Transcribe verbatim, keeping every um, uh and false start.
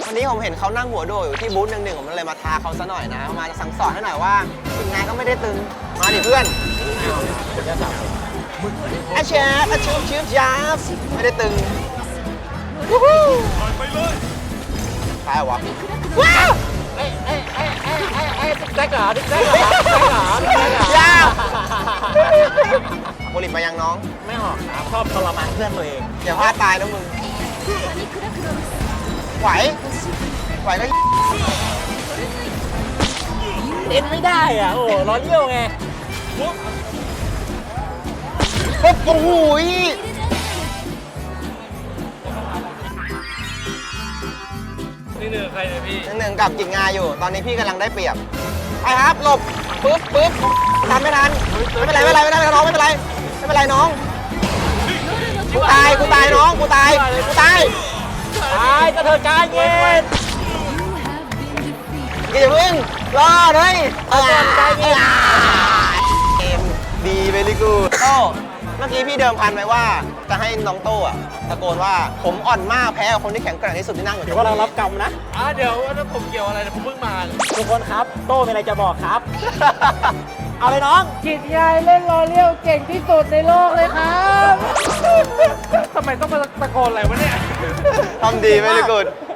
วันนี้ผมเห็นเขานั่งหัวโดดอยู่ที่บูธหนึ่งหนึ่งผมเลยมาท้าเขาซะหน่อยนะมาสั่งสอนให้หน่อยว่าถึงไงก็ไม่ได้ตึงมาดิเพื่อนอาเชฟอาชิบชิบยับไม่ได้ตึงไปเลยตายวะว้าวเอ้ยเอ้ยเอ้ยเอ้ยเอ้ยเอ้ยดิ๊กแจ๊กเหรอดิ๊กแจ๊กเหรอดิ๊กแจ๊กเหรอดิ๊กแจ๊กเหรอยาวโมลิมไปยังน้องไม่ออกครับชอบทรมานเพื่อนตัวเองอย่าพลาดตายนะมึงไหวไหวก็เล่นไม่ได้อ่ะโอ้ร้อนเยี่ยวไงโอ้โหนี่หนึ่งใครเนี่ยพี่หนึ่งกับกิจงาอยู่ตอนนี้พี่กำลังได้เปรียบไปครับหลบปึ๊บปึ๊บทำไม่ทันไม่เป็นไรไม่เป็นไรไม่เป็นไรน้องไม่เป็นไรไม่เป็นไรน้องกูตายกูตายน้องกูตายกูตายตายกระเถิดกายเย็นอย่าเพิ่งรอเลยกระเถิดกายเย็นเกมดีเวลี่กูดโต้เมื่อกี้พี่เดิมพันไว้ว่าจะให้น้องโต้อะตะโกนว่าผมอ่อนมากแพ้กับคนที่แข็งแกร่งที่สุดที่นั่งอยู่เดี๋ยวว่าเรารับกรรมนะอ่ะเดี๋ยวว่าผมเกี่ยวอะไรผมเพิ่งมาทุกคนครับโต้มีอะไรจะบอกครับ เอาเลยน้องกิจยายเล่นรอเลี้ยวเก่งที่สุดในโลกเลยครับทำไมต้องมาตะโกนอะไรวะเนี่ยทำดีเวลี่กูด